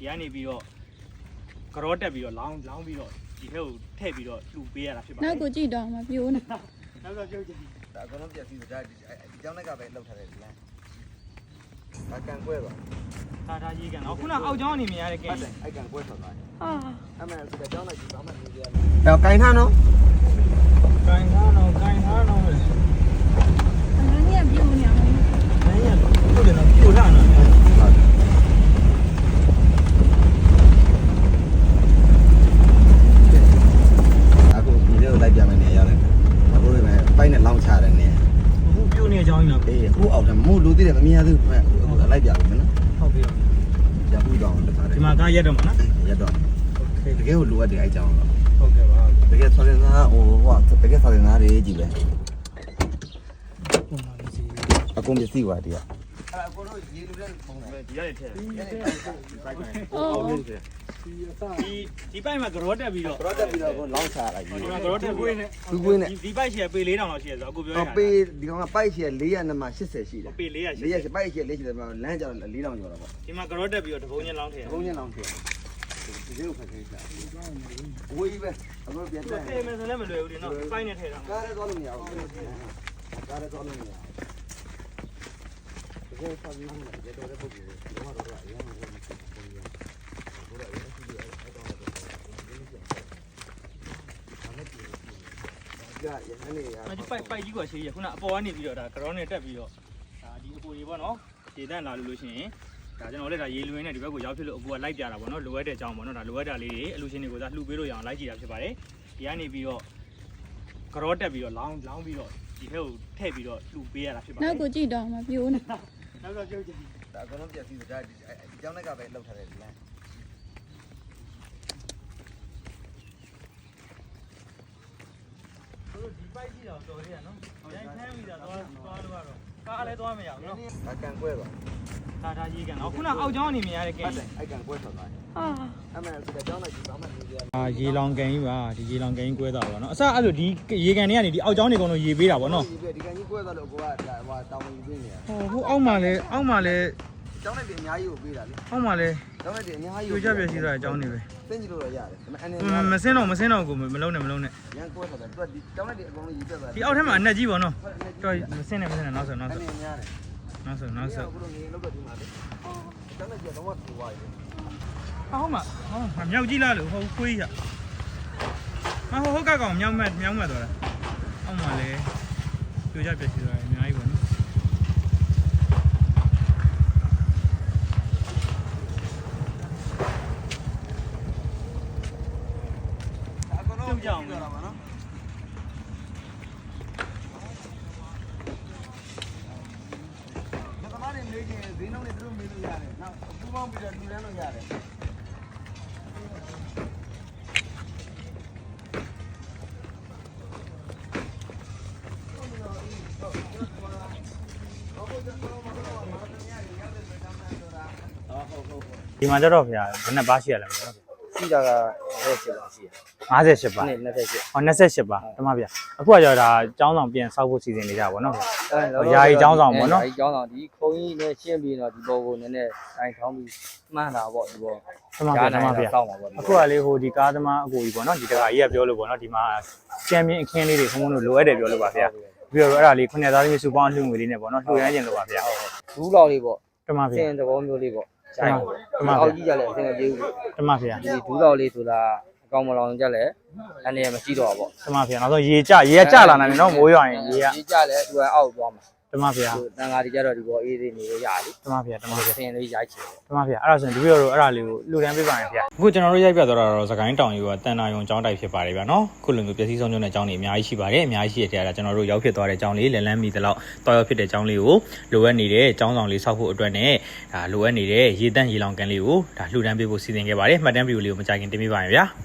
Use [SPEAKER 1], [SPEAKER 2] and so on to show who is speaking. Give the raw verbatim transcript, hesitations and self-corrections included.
[SPEAKER 1] ဒီကနေပြီးတော့ကြောတက်ပြီးတော့လောင်းလောင်းပြီးတော့ဒီထဲကိုထည့်ပြီးတော့လှူပေးရတာဖြစ်ပါတယ်
[SPEAKER 2] နောက်ကိုကြည့်တော့မှာပြိုးနေ
[SPEAKER 1] နောက်ကပြုတ်ကြည့်
[SPEAKER 3] ဒါအကုန်လုံးပြည့်စည်ဒါဒီကျောင်းလိုက်ကပဲလောက်ထားတယ်ဒီလမ်းဒါကန်ကွဲပါ
[SPEAKER 1] ဒါဒါရေးကန်တော့ခုနအောက်ကျောင်းအနေမြင်ရတဲ့ကဲ
[SPEAKER 3] အဲ့ကန်ကွဲထွက်သွားတယ်
[SPEAKER 2] ဟာ
[SPEAKER 3] အဲ့မဲ့ဒီကျောင်းလိုက်ဒီဘာမှမလုပ်ရဘူးအဲ့ကင်ထားနော်
[SPEAKER 1] ကင်ထားတော့ကင်ထားတော့လေ
[SPEAKER 2] အနည်းပြိုးနေအောင်
[SPEAKER 1] နည်းရပြုတ်တယ်နော်ပြုတ်လာနော်
[SPEAKER 3] အခုဒီလေးကိုလိုက်ပြမယ်နေရတယ်အခုဒီမဲ့ပိုက်နဲ့လောင်းချတယ်နေ
[SPEAKER 1] အခုပြုတ်နေအကြောင်းကြီးနော်
[SPEAKER 3] အေးအခုအောက်တယ်မို့လူသေးတယ်မမြင်ရသေးဘူးအခုလိုက်ပြပြီနော်
[SPEAKER 1] ဟုတ်ပြီ
[SPEAKER 3] ရဘူးတော့တခါတည်း
[SPEAKER 1] ဒီမှာကားရက်တော့မှာနော်
[SPEAKER 3] ရက်တော့တကယ်ကိုလိုအပ်တယ်အဲ့ကြောင်းတော့
[SPEAKER 1] ဟုတ်ကဲ့ပါ
[SPEAKER 3] တကယ်ဆော်ရင်သားဟိုဟိုတကယ်ဆော်ရင်သားတွေကြီးပဲအကုန်ပစ္စည်းပါဒီကအဲ့အကုန်တို့ရေလူတဲ့ပုံစံ
[SPEAKER 1] ဒီရတယ်ထဲဒီဒီပိုက်မှာကြောတက်ပြီးတော့
[SPEAKER 3] ကြောတက်ပြီးတော့ကိုလောင်းချရတာကြီး
[SPEAKER 1] ဒီမှာကြောတက်ပြီး
[SPEAKER 3] သူကွင်းနဲ့
[SPEAKER 1] ဒီပိုက်ရှိရပေလေးတောင်လောက်ရှိရဆိုအခုပြောရတာ
[SPEAKER 3] ပေဒီကောင်ကပိုက်ရှိရ၄ရာနဲ့မှ၈၀ရှိတယ်
[SPEAKER 1] ပေ၄ရာ
[SPEAKER 3] ၄ရာပိုက်ရှိရ၄၀တယ်လမ်းကြောင်၄တောင်ကျော်တာပေါ့
[SPEAKER 1] ဒီမှာကြောတက်ပြီးတော့တပုံချင်းလောင်းထည့်
[SPEAKER 3] တပုံချင်းလောင်းထည့်ဒီလိုဖက်ခဲချာဝေးပဲအခုပြန်တယ်
[SPEAKER 1] အေးမယ်ဆိုလည်းမလွယ်ဘူးဒီနော်ပိုက်နဲ့ထည့်တာ
[SPEAKER 3] ကားရဲသွားလို့မရဘူးကားရဲသွားလို့မရဘူးတကယ်ဆော်ပြီးမှရေတော်တဲ့ပုဂ္ဂိုလ်ကတော့တော့အရင်ကဘုရားဘုရားရဲ့အစီအစဉ်အဲ့တော့တော့ကြာရဟန်းနေရ
[SPEAKER 1] ဒီပိုက်ပိုက်ကြီးကရှိရခုနအပေါ်ကနေပြီးတော့ဒါကြောနဲ့တက်ပြီးတော့ဒါဒီအပူကြီးပေါ့နော်ရေတန့်လာလို့လို့ရှိရင်ဒါကျွန်တော်လည်းဒါရေလွင်နဲ့ဒီဘက်ကိုရောက်ဖြစ်လို့အပူကလိုက်ပြတာပေါ့နော်လိုအပ်တဲ့အကြောင်းပေါ့နော်ဒါလိုအပ်တာလေးတွေအလူရှင်တွေကိုသာလှူပေးလို့ရအောင်လိုက်ကြည့်တာဖြစ်ပါတယ်ဒီကနေပြီးတော့ကြောတက်ပြီးတော့လောင်းလောင်းပြီးတော့ဒီထဲကိုထည့်ပြီးတော့လှူပေးရတာဖြစ်ပါတယ်
[SPEAKER 2] နောက်ကိုကြည့်တော့မှာပြိုးနေ
[SPEAKER 1] နောက်ကပြုတ်ကြည့်
[SPEAKER 3] ဒါအကုန်လုံးပြည့်စည်ဒါဒီကျောင်းလိုက်ကပဲလောက်ထားတယ်ဒီလမ်း
[SPEAKER 1] ဒီပိုက်ကြီးတော့တော်သေးရနော်ရိုင်းခမ်းပြီးတော့သွားသွားလို့ကတော့ကားလည်းသွားမရဘူးနော်
[SPEAKER 3] အကန်ကွဲပါ
[SPEAKER 1] ဒါဒါရေးကန်တော့ခုနအောက်ကျောင်းအနေမြင်ရတဲ့ကဲ
[SPEAKER 3] အဲ့ကန်ကွဲထွက်သွားတယ်
[SPEAKER 2] ဟာ
[SPEAKER 3] အဲ့မဲ့ဒီကျောင်းလိုက်ဒီဘာမှမလုပ်ရဘူး
[SPEAKER 1] အာရေလောင်ကန်ကြီးပါဒီရေလောင်ကန်ကြီးကွဲသွားပါတော့အစအဲ့လိုဒီရေကန်တွေကနေဒီအောက်ကျောင်းတွေကတော့ရေပေးတာပေါ့နော်
[SPEAKER 3] ဒီကန်ကြီးကွဲသွားလို့ကိုကဟိုတောင်းဝင်ပေးနေရ
[SPEAKER 1] ဟိုဟိုအောက်မှာလဲအောက်မှာလဲ
[SPEAKER 3] ကျောင်းလိုက်တွေအများကြီးကိုပေးတာလေ
[SPEAKER 1] အောက်မှာလဲ
[SPEAKER 3] ကျောင်းလိုက်တွေအများကြီး
[SPEAKER 1] ကိုကြပြည့်စည်သွားတဲ့အကြောင်းတွေပဲ
[SPEAKER 3] သင်ကြည့်လို့ရရတယ်ဒါပေ
[SPEAKER 1] မဲ့မစင်းတော့မစင်းတော့ကိုမလုံးနဲ့မလုံးနဲ့
[SPEAKER 3] ရန်ကွဲသွားတယ်သူကဒီကျောင်းလိုက်တွေအကုန်လုံးရေးပြတ်သွားတယ်
[SPEAKER 1] ဒီအောက်ထဲမှာအနက်ကြီးပေါ့နော်တော်မစင်းနဲ့မစင်းနဲ့နောက်ဆိုနောက်ဆို
[SPEAKER 3] အနေများတယ်
[SPEAKER 1] နောက်ဆိုနောက်ဆို
[SPEAKER 3] ဘုလိုငေးလောက်တော့ဒီမှာလေကျောင်းလိုက်ကြီးတော့ဝတ်သွားရတယ်
[SPEAKER 1] အောက်မှာဟောမြောက်ကြီးလားလို့ဟိုခွေးရမဟိုဟုတ်ကကောင်မြောက်မဲ့မြောက်မဲ့တော့လားအောက်မှာလဲကြိုကြပြည့်စည်သွားတယ်အများကြီးပေါ့နော်ပြုတ်ကြအောင်လားနော်
[SPEAKER 3] မသမားတွေမေးခြင်းဈေးနှုန်းတွေသူတို့မေးလို့ရတယ်နောက်အပူပေါင်းပြီးတော့လူတန်းလို့ရတယ်
[SPEAKER 1] ဒီမှာကြတော့ဗျာဘယ်နဲ့ပါရှိရလဲမသိဘူး
[SPEAKER 3] စီတာက၅၈ပါရှိရ
[SPEAKER 1] ၅၈ပါ
[SPEAKER 3] နဲ့၂၈
[SPEAKER 1] ဟော၂၈ပါတမဗျာအခုကကျတော့ဒါကျောင်းဆောင်ပြန်ဆောက်ဖို့စီစဉ်နေကြပါတော့ဗျာယာယီကျောင်းဆောင်ပေါ့နော်
[SPEAKER 3] ယာယီကျောင်းဆောင်ဒီခုံကြီးနဲ့ရှင်းပြီးတော့ဒီဘောကိုနည်းနည်းတိုင်ထောင်းပြီးမှန်းတာပေါ့ဒီဘော
[SPEAKER 1] တမဗျာတမဗျာအခုကလေဟိုဒီကားသမားအကိုကြီးပေါ့နော်ဒီတကာကြီးကပြောလို့ပေါ့နော်ဒီမှာချန်ပီယံအခင်းလေးတွေခုံးခုံးလို့လိုအပ်တယ်ပြောလို့ပါဗျာပြီးတော့အဲ့ဒါလေးခုနှစ်သားသမီးစုပေါင်းလှူငွေလေးနဲ့ပေါ့နော်လှူရမ်းကျင်လို့ပါဗျာ
[SPEAKER 3] ဘူးလောက်လေးပေါ့
[SPEAKER 1] တမဗျာ
[SPEAKER 3] စင်သဘောမျိုးလေးပေါ့ကျိုင်းတမအောက်ကြီးကြလဲအဆင်မပြေဘူး
[SPEAKER 1] တမဗျာ
[SPEAKER 3] ဒီဘူးလောက်လေးဆိုတာအကောင်မလောင်ကြလဲအနေနဲ့မရှိတော့ဘူး
[SPEAKER 1] ပေါ့တမဗျာနောက်ဆုံးရေကြရေကကြလာနိုင်တယ်နော်မိုးရွာရင်ရေက
[SPEAKER 3] ရေကြလဲသူကအောက်သွားမှာ
[SPEAKER 1] တမဗျာ
[SPEAKER 3] တန်ဃာတွေကြတော့ဒီဘောအေးသေးနေရရလေ
[SPEAKER 1] တမဗျာတမဗျာ
[SPEAKER 3] ဆင်လေးရိုက်ချင်
[SPEAKER 1] တမဗျာအဲ့ဒါဆိုရင်ဒီဗီဒီယိုတော့အဲ့ဒါလေးကိုလှူဒန်းပေးပါမယ်ဗျာအခုကျွန်တော်တို့ရိုက်ပြသွားတာတော့စကိုင်းတောင်ကြီးကတန်တာယုံကျောင်းတိုက်ဖြစ်ပါတယ်ဗျာနော်ခုလိုမျိုးပျက်စီးဆုံးကျုံတဲ့ကျောင်းတွေအများကြီးရှိပါတယ်အများကြီးရှိတဲ့ထဲကကျွန်တော်တို့ရောက်ဖြစ်သွားတဲ့ကျောင်းလေးလန်လန်းမီတလောက်တွားရောက်ဖြစ်တဲ့ကျောင်းလေးကိုလိုအပ်နေတဲ့ကျောင်းဆောင်လေးဆောက်ဖို့အတွက်နဲ့ဒါလိုအပ်နေတဲ့ရေတန့်ရေလောင်ကန်လေးကိုဒါလှူဒန်းပေးဖို့စီစဉ်ခဲ့ပါတယ်မှတ်တမ်းဗီဒီယိုလေးကိုမကြခင်တင်ပေးပါမယ်ဗျာ